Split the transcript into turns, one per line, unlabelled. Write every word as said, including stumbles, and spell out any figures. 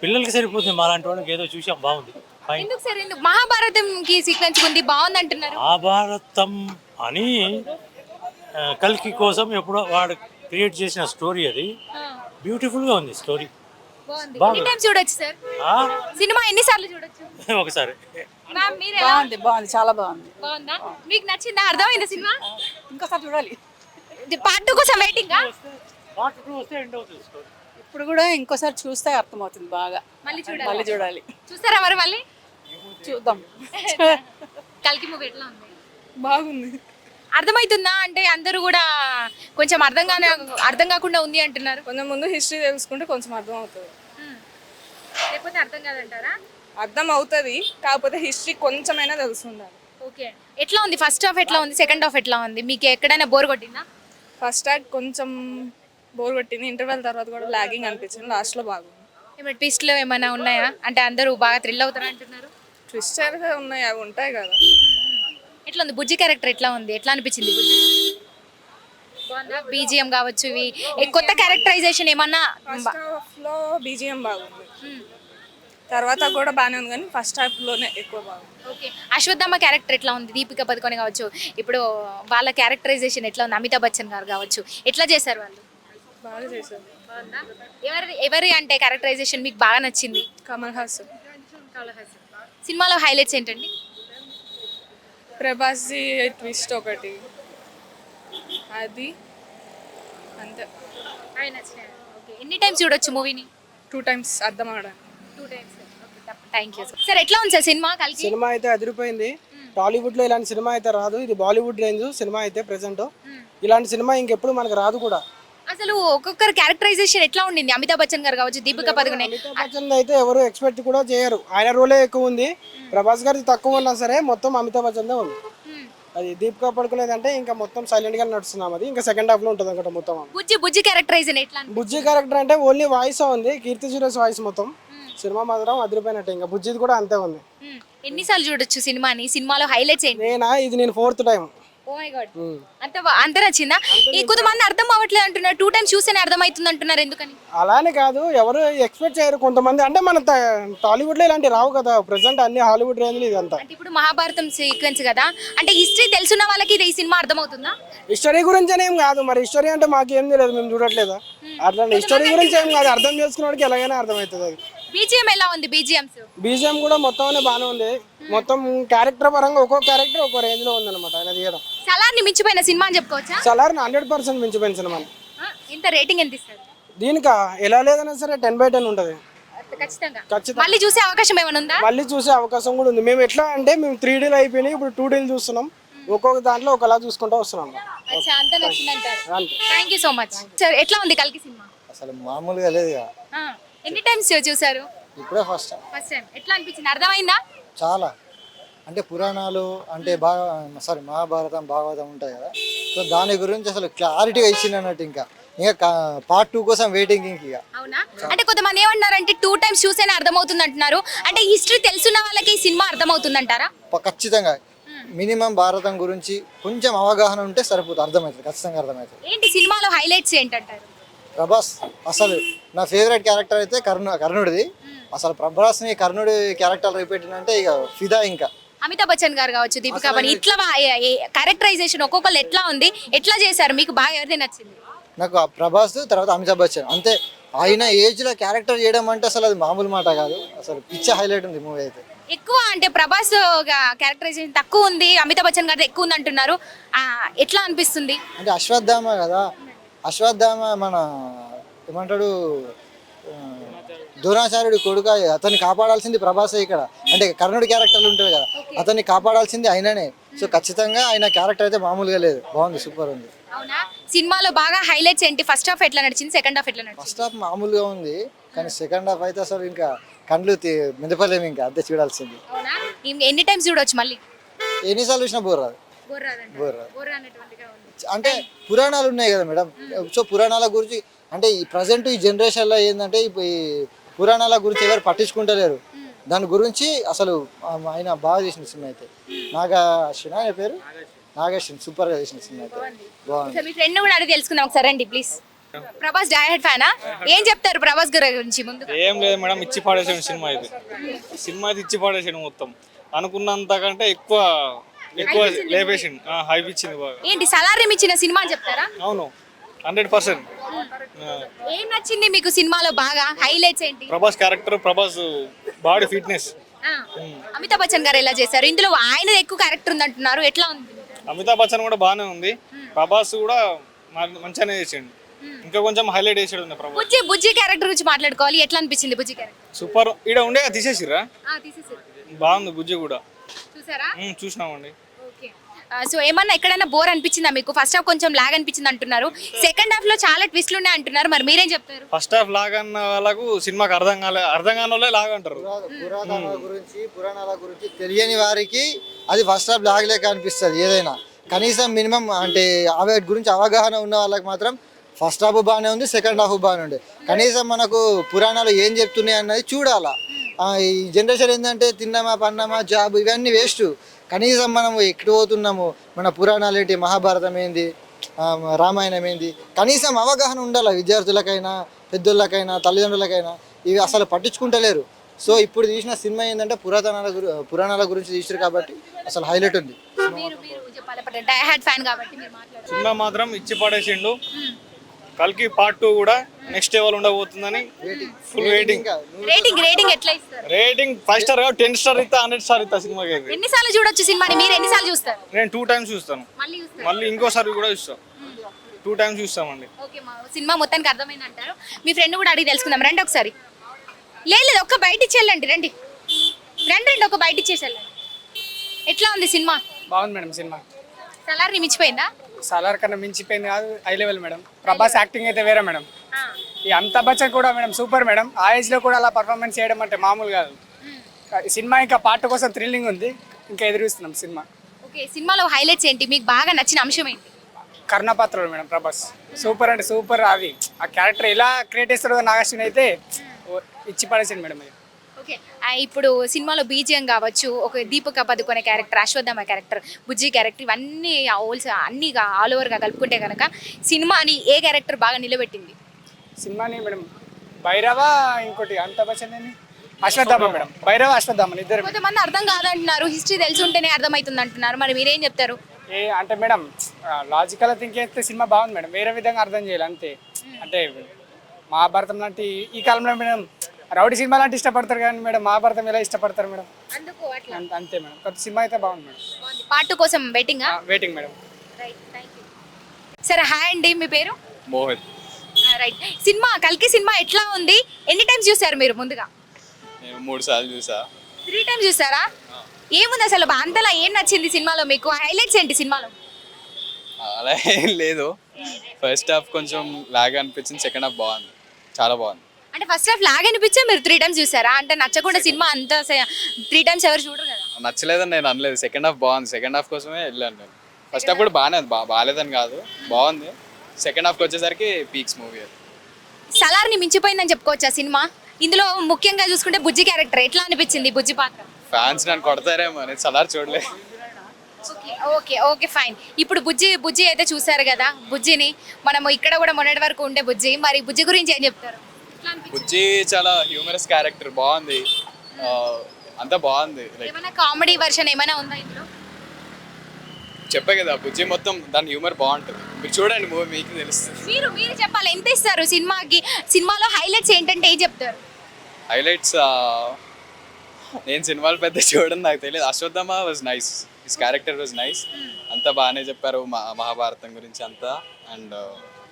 పిల్లలకి సరిపోతుంది, మా లాంటి వాళ్ళకి ఏదో చూసాం బాగుంది. ఫైన్.
ఎందుకు సార్ ఎందుకు మహాభారతం కి సీక్వెన్స్ ఉంది బాగుంది అంటున్నారు?
మహాభారతం అని ఆ, కల్కి కోసం ఎప్పుడో వాడు క్రియేట్ చేసిన స్టోరీ అది. బ్యూటిఫుల్గా ఉంది స్టోరీ.
బాగుంది.
బాగుంది.
ఎన్ని టైమ్స్ చూడొచ్చు సార్
ఆ,
సినిమా? ఎన్ని సార్లు చూడొచ్చు?
ఒకసారి.
మ్యామ్ మీరు ఎలా?
బాగుంది బాగుంది చాలా బాగుంది.
బాగుందా? మీకు నచ్చిందా? అర్థమైందా సినిమా?
ఇంకోసారి చూడాలి.
పార్ట్ టూ కోసం వెయిటింగ్.
పార్ట్ టూ వస్తే ఎండ్ అవుతుంది స్టోరీ.
ఇప్పుడు కూడా ఇంకోసారి చూస్తే అర్థమవుతుంది బాగా.
మళ్ళీ చూడాలి.
మళ్ళీ చూడాలి.
చూస్తారా మరి మళ్ళీ?
చూద్దాం.
కల్కి మూవీ ఎట్లా ఉంది?
బాగుంది.
అర్థమవుతుందా? అంటే అందరూ కూడా కొంచెం అర్థం కాని అర్థం కాకుండా ఉంది అంటున్నారు.
కొంచెం ముందు హిస్టరీ తెలుసుకుంటే కొంచెం అర్థం అవుతుంది.
హ్మ్. లేకపోతే అర్థం కాదంటారా?
అర్థం అవుతుంది, కాకపోతే హిస్టరీ కొంచెమైనా తెలుసుండాలి.
ఓకే. ఎట్లా ఉంది? ఫస్ట్ హాఫ్ ఎట్లా ఉంది? సెకండ్ హాఫ్ ఎట్లా ఉంది? మీకు ఎక్కడైనా బోర్ కొట్టిందా?
ఫస్ట్ యాక్ట్ కొంచెం బోర్ కొట్టింది, ఇంటర్వెల్ తర్వాత కూడా లాగింగ్ అనిపించింది, లాస్ట్లో బాగుంది.
ఏమైనా ట్విస్ట్లు ఏమైనా ఉన్నాయా? అంటే అందరూ బాగా థ్రిల్ అవుతారు అంటున్నారు.
ట్విస్టర్ ఉన్నాయి, అవి ఉంటాయి కదా.
ఎట్లా ఉంది? బుజ్జి క్యారెక్టర్ ఎట్లా ఉంది? ఎట్లా అనిపించింది బుజ్జి? బాగుందా? బీజిఎం కావచ్చు, ఇవి ఏ కొత్త క్యారెక్టరైజేషన్ ఏమన్నా?
ఫస్ట్ హాఫ్లో బీజిఎం బాగుంది,
మ్మ్.
తర్వాత కూడా బాగానే ఉంది, కానీ ఫస్ట్ హాఫ్లోనే ఎక్కువ బాగుంది.
ఓకే. అశ్వత్థామ క్యారెక్టర్ ఎట్లా ఉంది? దీపిక పదుకొని కావచ్చు, ఇప్పుడు వాళ్ళ క్యారెక్టరైజేషన్ ఎట్లా ఉంది? అమితాబ్ బచ్చన్ గారు కావచ్చు, ఎట్లా చేశారు వాళ్ళు?
బాగా చేశారు.
బాగుందా? ఎవరి ఎవరి అంటే క్యారెక్టరైజేషన్ మీకు బాగా నచ్చింది?
కమల్ హాసన్.
సినిమాలో హైలైట్స్ ఏంటండి?
ప్రభాస్ది ట్విస్ట్ ఒకటి, అది అంతే.
ఓకే. ఎన్ని టైమ్స్ చూడొచ్చు మూవీని?
టూ టైమ్స్ అర్థం అవడానికి.
Two times. Thank you sir. ఎట్లా ఉంది సార్ సినిమా కలిసి?
సినిమా అయితే అదిరిపోయింది. టాలీవుడ్ లో ఇలాంటి సినిమా అయితే రాదు, ఇది బాలీవుడ్ రేంజ్ సినిమా అయితే ప్రెసెంట్. ఇలాంటి సినిమా ఇంకెప్పుడు మనకు రాదు కూడా.
అసలు ఒక్కొక్కరు క్యారెక్టరైజేషన్ ఎట్లా ఉండింది? అమితాబ్ బచ్చన్ గారు కావచ్చు, దీపిక పదుకొనే.
అమితాబ్ బచ్చన్ అయితే ఎవరు ఎక్స్పెక్ట్ కూడా చేయరు, ఆయన రోలే ఎక్కువ ఉంది. ప్రభాస్ గారిది తక్కువ ఉన్నా సరే మొత్తం అమితాబ్ బచ్చన్దే ఉంది. అది దీపిక పడుకునేది అంటే ఇంకా మొత్తం సైలెంట్ గా నడుస్తున్నాం, అది ఇంకా సెకండ్ హాఫ్ లో ఉంటుంది అనమాట మొత్తం.
బుజ్జి బుజ్జి క్యారెక్టరైజేషన్ ఎట్లా?
బుజ్జి క్యారెక్టర్ అంటే ఓన్లీ వాయిస్ ఉంది, కీర్తి సురేష్ వాయిస్ మొత్తం. సినిమా మాత్రం అదిరిపోయినట్టే, ఇంకా బుజ్జిది కూడా అంతే ఉంది.
ఎన్నిసార్లు చూడొచ్చు సినిమాని? సినిమాలో హైలైట్స్ ఏంటి?
నేనా ఇది నేను fourth time.
Oh my God. అంత బా- అంత నచ్చిందా? ఈ కొంతమంది అర్థం అవ్వట్లేదు అంటున్నారు, టూ టైమ్స్ చూస్తేనే అర్థమవుతుంది అంటున్నారు, ఎందుకని?
అలానే కాదు, ఎవరు ఎక్స్పెక్ట్ చేయరు కొంతమంది. అంటే మన ట- టాలీవుడ్ లో ఇలాంటి రావు కదా, ప్రెసెంట్ అన్ని హాలీవుడ్ రేంజ్ ఇదంతా.
అంటే ఇప్పుడు మహాభారతం సీక్వెన్స్ కదా, అంటే హిస్టరీ తెలుసున్న వాళ్ళకి ఇది ఈ సినిమా అర్థమవుతుందా?
హిస్టరీ గురించి ఏం కాదు, మరి హిస్టరీ అంటే మాకేం తెలియదు, మేము చూడట్లేదా. అట్లా హిస్టరీ గురించి ఏం కాదు, అర్థం చేసుకున్నవాడికి ఎలాగైనా అర్థమవుతుంది. అది
బీజిఎం ఎలా ఉంది? బీజిఎంస్
బీజిఎం కూడా మొత్తం బాగానే ఉంది, మొత్తం క్యారెక్టర్ పరంగా ఒక్కో క్యారెక్టర్ ఒక్కో రేంజ్ లో ఉంది అనమాట ఆయన తీయడం.
సలార్ని మించిపోయిన సినిమా అని చెప్పుకోవచ్చా?
సలార్ హండ్రెడ్ పర్సెంట్ మించిపోయిన సినిమా.
ఆ, ఎంత రేటింగ్ ఎంత ఇస్తారు?
దీనికా ఎలా లేదన్నా సరే టెన్ బై టెన్ ఉంటుంది
ఖచ్చితంగా.
ఖచ్చితంగా.
మళ్ళీ చూసే అవకాశం ఏమైనా ఉందా?
మళ్ళీ చూసే అవకాశం కూడా ఉంది. మేము ఎట్లా అంటే మేము త్రీ డీలు అయిపోయినాయి, ఇప్పుడు టూ డీలు చూస్తున్నాం, ఒక్కొక్క దాంట్లో ఒకలా చూసుకుంటూ వస్తున్నాం.
అచ్చా, అంత నచ్చిందంటారు.
అంతే.
Thank you so much sir. ఎట్లా ఉంది కల్కి సినిమా?
అసలు మామూలుగా లేదు ఇక.
ఆ, ఎన్ని టైమ్స్ చూసారు?
ఇప్పుడే ఫస్ట్ టైం.
First time. ఎట్లా అనిపించింది? అర్థమైందా?
చాలా అంటే పురాణాలు అంటే బాగా సారీ మహాభారతం భాగవతం ఉంటాయి కదా, సో దాని గురించి అసలు క్లారిటీగా ఇచ్చింది అన్నట్టు. ఇంకా ఇంకా పార్ట్ టూ కోసం వెయిటింగ్ ఇంక. ఇక
అవునా? అంటే కొంతమంది ఏమంటున్నారంటే టూ టైమ్స్ చూసేనే అర్థమవుతుంది అంటున్నారు, అంటే హిస్టరీ తెలుసున్న వాళ్ళకి ఈ సినిమా అర్థమవుతుంది అంటారా?
ప- ఖచ్చితంగా మినిమం భారతం గురించి కొంచెం అవగాహన ఉంటే సరిపోతుంది, అర్థమవుతుంది, ఖచ్చితంగా అర్థమవుతుంది.
ఏంటి సినిమాలో హైలైట్స్ ఏంటంటారు?
ప్రభాస్ అసలు నా ఫేవరెట్ క్యారెక్టర్ అయితే కర్ణ కర్ణుడిది. అసలు ప్రభాస్ని కర్ణుడి క్యారెక్టర్ రిపీట్ అంటే ఇక ఫిదా. ఇంకా
అమితాబ్ బచ్చన్ గారు కావచ్చు, దీపికా పని ఇట్లా క్యారెక్టరైజేషన్ ఒక్కొక్కరు ఎట్లా ఉంది, ఎట్లా చేశారు? మీకు బాగా ఎవరిది నచ్చింది?
నాకు ఆ ప్రభాస్ తర్వాత అమితాబ్ బచ్చన్ అంతే. ఆయన ఏజ్లో క్యారెక్టర్ చేయడం అంటే అసలు అది మామూలు మాట కాదు, అసలు పిచ్చ హైలైట్ ఉంది మూవీ అయితే.
ఎక్కువ అంటే ప్రభాస్ క్యారెక్టరైజేషన్ తక్కువ ఉంది, అమితాబ్ బచ్చన్ గారి ఎక్కువ ఉంది అంటున్నారు, ఆ, ఎట్లా అనిపిస్తుంది?
అంటే అశ్వత్థామ కదా, అశ్వత్థామ మన ఏమంటాడు ఆ, ద్రోణాచార్యుడి కొడుక, అతన్ని కాపాడాల్సింది ప్రభాసే ఇక్కడ. అంటే కర్ణుడి క్యారెక్టర్లు ఉంటుంది కదా, అతన్ని కాపాడాల్సింది ఆయననే. సో ఖచ్చితంగా ఆయన క్యారెక్టర్ అయితే మామూలుగా లేదు, బాగుంది, సూపర్ ఉంది.
అవునా? సినిమాలో బాగా హైలైట్స్ ఏంటి? ఫస్ట్ హాఫ్ ఎట్లా నడిచింది? సెకండ్ హాఫ్ ఎట్లా నడిచింది?
ఫస్ట్ హాఫ్ మామూలుగా ఉంది, కానీ సెకండ్ హాఫ్ అయితే అసలు ఇంకా కండ్లు మిదపలేము, ఇంకా అదే చూడాల్సింది.
అవునా? ఇం- ఎన్ని టైమ్స్ చూడొచ్చు మళ్ళీ?
ఎన్నిసార్లు చూసినా బోర్ రాదు.
బోర్ రాదంట.
బోర్ రాదు.
బోర్ రానటువంటిగా ఉంది.
అంటే పురాణాలు ఉన్నాయి కదా మేడం, సో పురాణాల గురించి అంటే ఈ ప్రజెంట్ ఈ జనరేషన్లో ఏంటంటే ఇప్పుడు ఈ పురాణాల గురించి ఎవరు పట్టించుకుంటలేరు. దాని గురించి అసలు ఆయన బాగా చేసిన సినిమా అయితే. నాగా అశ్విన్ ఆయన పేరు నాగేశ్వన్, సూపర్గా చేసిన సినిమా అయితే బాగుంది.
ఒకసారి మీ ఫ్రెండ్ కూడా అడిగి తెలుసుకుందాం ఒకసారి, రండి ప్లీజ్. ప్రభాస్ డైరెక్ట్ ఫ్యానా? ఏం చెప్తారు ప్రభాస్ గారి గురించి ముందు?
ఏం లేదు మేడం, ఇచ్చి పాడేసాడు సినిమా ఇది. సినిమా అయితే ఇచ్చి పాడేసాడు మొత్తం. అనుకున్నంత కంటే ఎక్కువ ఎక్కువ లేపేసిండు, హైప్ ఇచ్చింది బాగా.
ఏంటి సలారీ ఇచ్చిన సినిమా అని చెప్తారా?
అవును, హండ్రెడ్ పర్సెంట్.
ఏం నచ్చింది మీకు సినిమాలో బాగా? హైలైట్స్ ఏంటి?
Prabhas character, Prabhas body fitness.
ఆ, అమితాబ్ బచ్చన్ గారు ఎలా చేశారు? ఇందులో ఆయన ఎక్కువ క్యారెక్టర్ ఉంది అంటున్నారు, ఎట్లా ఉంది?
అమితాబ్ బచ్చన్ కూడా బాగానే ఉంది, ప్రభాస్ కూడా మ- మంచిగానే చేసిండు. ఇంకా కొంచెం హైలైట్ చేసాడు ప్రభాస్.
బుజ్జి బుజ్జి క్యారెక్టర్ గురించి మాట్లాడుకోవాలి. ఎట్లా అనిపించింది బుజ్జి క్యారెక్టర్?
సూపర్. ఈడ ఉండే తీసేసిర్రా,
తీసేసారు,
బాగుంది బుజ్జి కూడా.
చూసారా?
ఉమ్, చూసినామండి.
ఓకే. సో ఏమన్నా ఎక్కడైనా బోర్ అనిపించిందా మీకు? ఫస్ట్ హాఫ్ కొంచెం లాగ్ అనిపించింది అంటున్నారు, సెకండ్ హాఫ్ లో చాలా ట్విస్ట్లు ఉన్నాయి అంటున్నారు, మరి మీరేం చెప్తారు?
ఫస్ట్ హాఫ్ లాగన్న వాళ్ళకు సినిమాకి అర్థం కాలే, అర్థం కాని వాళ్ళే లాగంటారు.
పురాణాల గురించి పురాణాల గురించి తెలియని వారికి అది ఫస్ట్ హాఫ్ లాగలేక అనిపిస్తుంది ఏదైనా. కనీసం మినిమం అంటే అవి గురించి అవగాహన ఉన్న వాళ్ళకి మాత్రం ఫస్ట్ హాఫ్ బాగానే ఉంది, సెకండ్ హాఫ్ బాగానే ఉంది. కనీసం మనకు పురాణాలు ఏం చెప్తున్నాయి అన్నది చూడాలా. ఈ జనరేషన్ ఏంటంటే తిన్నామా పన్నామా జాబ్ ఇవన్నీ వేస్ట్. కనీసం మనము ఎక్కడ పోతున్నాము, మన పురాణాలు ఏంటి, మహాభారతం ఏంది, ఆ, రామాయణం ఏంది, కనీసం అవగాహన ఉండాలి విద్యార్థులకైనా పెద్దోళ్ళకైనా తల్లిదండ్రులకైనా. ఇవి అసలు పట్టించుకుంటలేరు. సో ఇప్పుడు తీసిన సినిమా ఏంటంటే పురాతనాల గురి పురాణాల గురించి తీసారు కాబట్టి అసలు హైలైట్ ఉంది.
మీరు మీరు చెప్పాలి, డై హార్డ్ ఫ్యాన్ కాబట్టి మీరు మాట్లాడారు.
సినిమా మాత్రం ఇచ్చి పడేసిండు. కల్కి పార్ట్ టూ కూడా నెక్స్ట్ లెవెల్ ఉండబోతుందని ఫుల్ వెయిటింగ్.
రేటింగ్ రేటింగ్ ఎట్లా ఇస్తారు?
రేటింగ్ ఫైవ్ స్టార్ కాదు, టెన్ స్టార్ ఇస్తా, హండ్రెడ్ స్టార్ ఇస్తా సినిమాకి అయితే.
ఎన్నిసార్లు చూడొచ్చు సినిమాని? మీరు ఎన్నిసార్లు చూస్తారు?
నేను టూ టైమ్స్ చూస్తాను,
మళ్ళీ చూస్తారు?
మళ్ళీ ఇంకోసారి కూడా చూస్తాం. టూ టైమ్స్ చూస్తామండి.
ఓకే, మా సినిమా మొత్తానికి అర్థమైంది అంటారు. మీ ఫ్రెండ్ కూడా అడిగి తెలుసుకుందాం, రండి ఒకసారి. లేదు లేదు, ఒక్క బయట ఇచ్చేళ్ళండి, రండి రండి రండి, ఒక బయట ఇచ్చేసేళ్ళండి. ఎట్లా ఉంది సినిమా?
బాగుంది మేడం సినిమా.
సలార్ మించిపోయిందా?
సలార్ కన్నా మించిపోయింది కాదు, high level madam. Prabhas acting అయితే వేరే మేడం. ఈ అమితాబ్ బచ్చన్ కూడా మేడం సూపర్ మేడం. ఆ ఏజ్ లో కూడా అలా పర్ఫార్మెన్స్ చేయడం అంటే మామూలు కాదు. ఈ సినిమా ఇంకా పార్ట్ కోసం థ్రిల్లింగ్ ఉంది, ఇంకా ఎదురుస్తున్నాం సినిమా.
ఓకే, సినిమాలో హైలైట్స్ ఏంటి? మీకు బాగా నచ్చిన అంశం ఏంటి?
కర్ణపాత్రలు మేడం ప్రభాస్ సూపర్ అంటే సూపర్. అవి ఆ క్యారెక్టర్ ఎలా క్రియేట్ చేస్తాడో నాగార్జున అయితే ఓ ఇచ్చి పడేసింది మేడం. అది
ఓకే, ఆ, ఇప్పుడు సినిమాలో బీజిఎం కావచ్చు, ఒక Deepika Padukone character, Ashwatthama character, Bujji character, ఇవన్నీ హోల్స్ అన్ని ఆల్ ఓవర్గా కలుపుకుంటే కనుక సినిమాని ఏ క్యారెక్టర్ బాగా నిలబెట్టింది?
సినిమాని మేడం భైరవ, ఇంకోటి అమితాబ్ బచ్చన్ అని అశ్వత్థామ మేడం. భైరవ అశ్వత్థామ ఇద్దరు.
కొంతమంది అర్థం కాదంటున్నారు, హిస్టరీ తెలిసి ఉంటేనే అర్థమవుతుంది అంటున్నారు, మరి మీరేం చెప్తారు?
ఏ అంటే మేడం లాజికల్ థింక్ చేస్తే సినిమా బాగుంది మేడం, వేరే విధంగా అర్థం చేయాలి అంతే. అంటే మహాభారతం లాంటి ఈ కాలంలో మేడం రౌడీ సినిమా లాంటి ఇష్టపడతారు కానీ మేడం మహాభారతం ఎలా ఇష్టపడతారు మేడం?
అందుకు అట్లా
అంత- అంతే మేడం. కొత్త సినిమా అయితే బాగుంది మేడం.
పార్ట్ టూ కోసం వెయిటింగ్.
Waiting madam.
సరే, హాయ్ అండి, మీ పేరు?
మోహిత్.
రైట్. సినిమా కల్కి సినిమా ఎట్లా ఉంది? ఎన్ని టైమ్స్ చూసారు మీరు? ముందుగా
నేను మూడు సార్లు చూసా.
త్రీ టైమ్స్ చూసారా? ఏముంది అసలు అంతలా ఏం నచ్చింది సినిమాలో మీకు? హైలైట్స్ ఏంటి సినిమాలో?
అలా ఏం లేదు, ఫస్ట్ హాఫ్ కొంచెం లాగ్ అనిపించింది, సెకండ్ హాఫ్ బాగుంది, చాలా బాగుంది.
అంటే ఫస్ట్ హాఫ్ లాగ్ అనిపించే మీరు త్రీ టైమ్స్ చూసారా? అంటే నచ్చకుండా సినిమా అంతా త్రీ టైమ్స్ ఎవరు చూడరు కదా.
నచ్చలేదని నేను అనలేదు, సెకండ్ హాఫ్ బాగుంది, సెకండ్ హాఫ్ కోసమే వెళ్ళాను నేను. ఫస్ట్ హాఫ్ కూడా బాగానే ఉంది, బా బాగాలేదని కాదు, బాగుంది. సెకండ్ హాఫ్కి వచ్చేసరికి పీక్స్ మూవీ అది.
సలార్ని మించిపోయిందని చెప్పుకోవచ్చా సినిమా? ఇందులో ముఖ్యంగా చూసుకుంటే బుజ్జి క్యారెక్టర్ ఎట్లా అనిపించింది? బుజ్జి పాత్ర
ఫ్యాన్స్ నన్ను కొడతారేమో, నేను సలార్ చూడలే.
Okay okay okay fine. ఇప్పుడు బుజ్జి బుజ్జి అయితే చూసారు కదా, బుజ్జిని మనము ఇక్కడ కూడా మొన్నటి వరకు ఉండే బుజ్జి, మరి బుజ్జి గురించి ఏం చెప్తారు? ఎట్లా అనిపించింది?
బుజ్జి చాలా హ్యూమరస్ క్యారెక్టర్, బాగుంది, ఆ, అంతా బాగుంది. లైక్
ఏమైనా కామెడీ వర్షన్ ఏమైనా ఉందా ఇందులో?
చెప్పే కదా, బుజ్జి మొత్తం దాని హ్యూమర్ బాగుంటుంది, మీరు చూడండి మూవీ మీకు తెలుస్తుంది.
మీరు మీరు చెప్పాలి, ఎంత ఇస్తారు సినిమాకి? సినిమాలో హైలైట్స్ ఏంటంటే ఏం చెప్తారు?
హైలైట్స్ నేను సినిమాలు పెద్ద చూడడం నాకు తెలియదు. Ashwatthama was nice, his character was nice, అంతా బాగానే చెప్పారు మా మహాభారతం గురించి అంతా. అండ్